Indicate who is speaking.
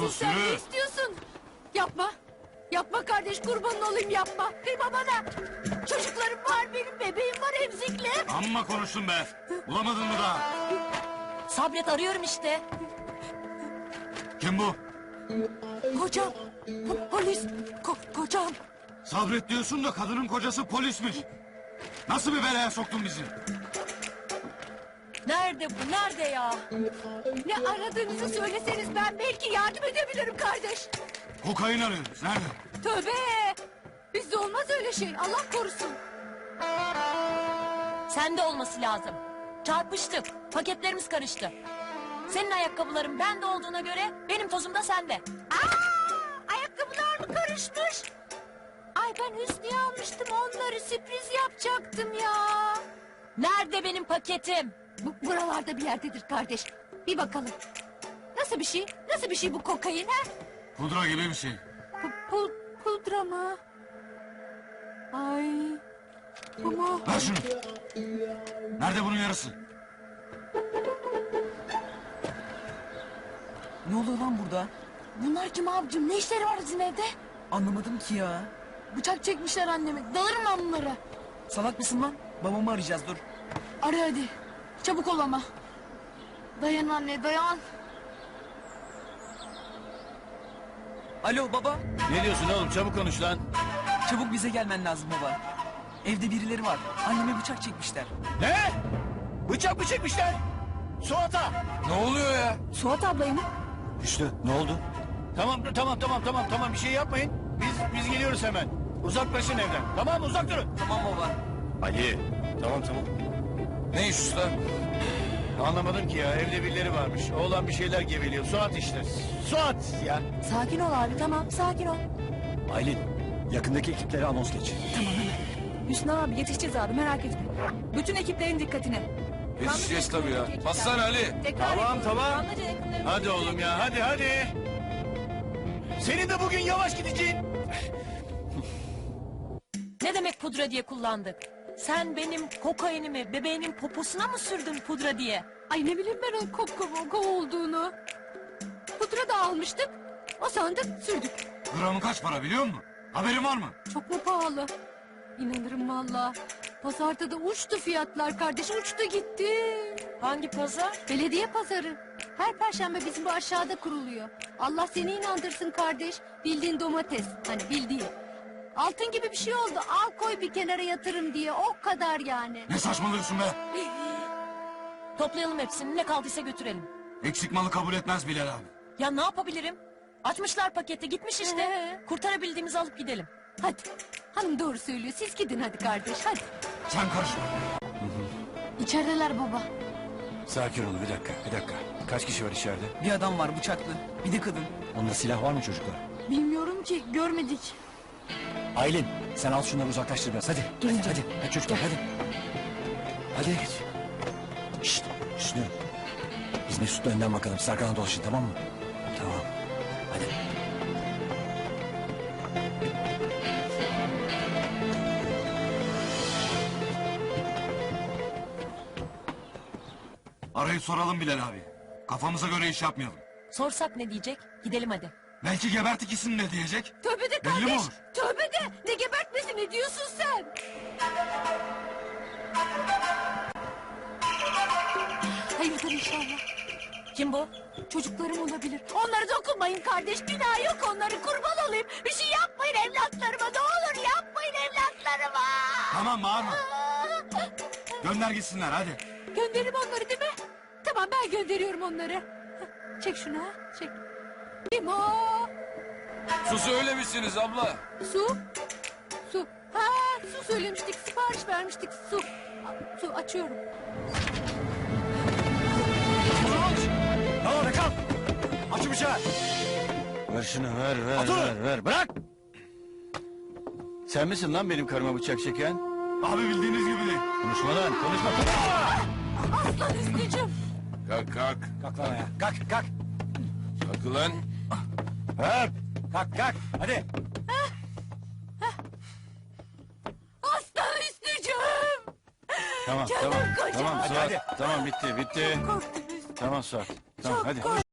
Speaker 1: istiyorsun sen? Ne istiyorsun? Yapma. Yapma kardeş, kurbanın olayım, yapma. Kıyma bana. Çocuklarım var, benim bebeğim var, emzikli.
Speaker 2: Amma konuştun be. Bulamadın mı daha?
Speaker 3: Sabret, arıyorum işte.
Speaker 2: Kim bu?
Speaker 1: Kocam. Polis. Kocam.
Speaker 2: Sabret diyorsun da kadının kocası polismiş. Nasıl bir belaya soktun bizi?
Speaker 3: Nerede bu? Nerede ya?
Speaker 1: Ne aradığınızı söyleseniz ben belki yardım edebilirim kardeş.
Speaker 2: Kokain arıyoruz. Nerede?
Speaker 1: Tövbe. Bizde olmaz öyle şey. Allah korusun.
Speaker 3: Sende olması lazım. Çarpıştık. Paketlerimiz karıştı. Senin ayakkabıların bende olduğuna göre benim tozum da sende.
Speaker 1: Ayakkabılar mı karışmış? Ay ben Hüsnü'ye almıştım onları, sürpriz yapacaktım ya.
Speaker 3: Nerede benim paketim?
Speaker 1: Buralarda bir yerdedir kardeş. Bir bakalım. Nasıl bir şey? Nasıl bir şey bu kokain ha?
Speaker 2: Pudra gibi bir şey.
Speaker 1: Pudra mı? Ay. Ama...
Speaker 2: Ver şunu. Nerede bunun yarısı?
Speaker 4: Ne oluyor lan burada?
Speaker 1: Bunlar kim abicim? Ne işleri var bizim evde?
Speaker 4: Anlamadım ki ya.
Speaker 1: Bıçak çekmişler anneme. Dalarım ben bunlara.
Speaker 4: Salak mısın lan? Babamı arayacağız dur.
Speaker 1: Ara hadi. Çabuk ol ama. Dayan anne, dayan.
Speaker 4: Alo baba.
Speaker 5: Ne diyorsun oğlum, çabuk konuş lan.
Speaker 4: Çabuk bize gelmen lazım baba. Evde birileri var. Anneme bıçak çekmişler.
Speaker 5: Ne? Bıçak mı çekmişler? Suat'a.
Speaker 2: Ne oluyor ya?
Speaker 1: Suat ablayı mı?
Speaker 5: Hüsnü ne oldu? Tamam bir şey yapmayın. Biz geliyoruz hemen. Uzaklaşın evden. Tamam uzak durun.
Speaker 4: Tamam baba.
Speaker 5: Ali. Tamam.
Speaker 2: Ne iş usta?
Speaker 5: Anlamadım ki ya, evde birileri varmış. Oğlan bir şeyler geveliyor. Suat işte. Suat ya.
Speaker 1: Sakin ol abi, tamam sakin ol.
Speaker 5: Aylin, yakındaki ekiplere anons geç.
Speaker 1: Hüsnü abi yetişeceğiz abi, merak etme. Bütün ekiplerin dikkatine.
Speaker 2: Yetişeceğiz tabii ya. Bassana Ali.
Speaker 5: Tamam. Hadi oğlum ya, hadi. Senin de bugün yavaş gideceğin.
Speaker 3: Ne demek pudra diye kullandık? Sen benim kokainimi bebeğinin poposuna mı sürdün pudra diye?
Speaker 1: Ay ne bileyim ben o kop olduğunu. Pudra da almıştık. O sandık sürdük.
Speaker 2: Gramı kaç para biliyor musun? Haberin var mı?
Speaker 1: Çok mu pahalı? İnanırım valla. Pazarda da uçtu fiyatlar kardeş, uçtu gitti.
Speaker 3: Hangi pazar?
Speaker 1: Belediye pazarı. Her perşembe bizim bu aşağıda kuruluyor. Allah seni inandırsın kardeş. Bildiğin domates. Hani bildiğin. Altın gibi bir şey oldu. Al koy bir kenara yatırım diye. O kadar yani.
Speaker 2: Ne saçmalıyorsun be?
Speaker 3: Toplayalım hepsini, ne kaldıysa götürelim.
Speaker 2: Eksik malı kabul etmez Bilal abi.
Speaker 3: Ya ne yapabilirim? Açmışlar paketi, gitmiş işte.
Speaker 1: Ee?
Speaker 3: Kurtarabildiğimizi alıp gidelim.
Speaker 1: Hadi. Hanım doğru söylüyor. Siz gidin hadi kardeş hadi.
Speaker 2: Sen karışma.
Speaker 1: İçerideler baba.
Speaker 5: Sakin olun bir dakika. Kaç kişi var içeride?
Speaker 4: Bir adam var bıçaklı. Bir de kadın.
Speaker 5: Onda silah var mı çocuklar?
Speaker 1: Bilmiyorum ki, görmedik.
Speaker 5: Aylin, sen al şunları uzaklaştır biraz hadi. Hadi çocuklar hadi. Hadi. Şşt, Hüsnü. Biz Mesut'la önden bakalım. Siz arkadan dolaşın, tamam mı? Tamam. Hadi.
Speaker 2: Arayıp soralım Bilal abi. Kafamıza göre iş yapmayalım.
Speaker 3: Sorsak ne diyecek? Gidelim hadi.
Speaker 2: Belki gebert ikisini de diyecek.
Speaker 1: Tövbe de
Speaker 2: Belli mi
Speaker 1: kardeş.
Speaker 2: olur?
Speaker 1: Tövbe de. Ne gebertmesi, ne diyorsun sen? Hayırdır inşallah.
Speaker 3: Kim bu?
Speaker 1: Çocuklarım olabilir. Onlara dokunmayın kardeş. Günah yok onları, kurban olayım. Bir şey yapmayın evlatlarıma. Ne olur yapmayın evlatlarıma.
Speaker 2: Tamam bağırma. Gönder gitsinler hadi.
Speaker 1: Gönderim onları değil mi? Tamam ben gönderiyorum onları. Hah, çek şunu ha. Çek. Kim o?
Speaker 2: Su söylemişsiniz abla.
Speaker 1: Su. Su. Ha, su söylemiştik. Sipariş vermiştik. Su. Su açıyorum.
Speaker 5: Tamam kal. Aç bıçağı. Ver şunu ver. Bırak. Sen misin lan benim karıma bıçak çeken?
Speaker 2: Abi bildiğiniz gibi değil.
Speaker 5: Konuşma lan konuşma.
Speaker 1: Aslan Hüsnü'cüm.
Speaker 2: Kalk.
Speaker 5: Kalk lan ayağa. Kalk.
Speaker 2: Kalk ulan.
Speaker 5: Hep. Kalk. Hadi.
Speaker 1: Aslan Hüsnü'cüm.
Speaker 5: Tamam
Speaker 1: Canım
Speaker 5: tamam.
Speaker 1: kocam.
Speaker 5: Tamam
Speaker 1: Hadi,
Speaker 5: Suat. Tamam bitti.
Speaker 1: Korktum Hüsnü.
Speaker 5: Tamam Suat. Tamam
Speaker 1: Çok
Speaker 5: hadi.
Speaker 1: korktum.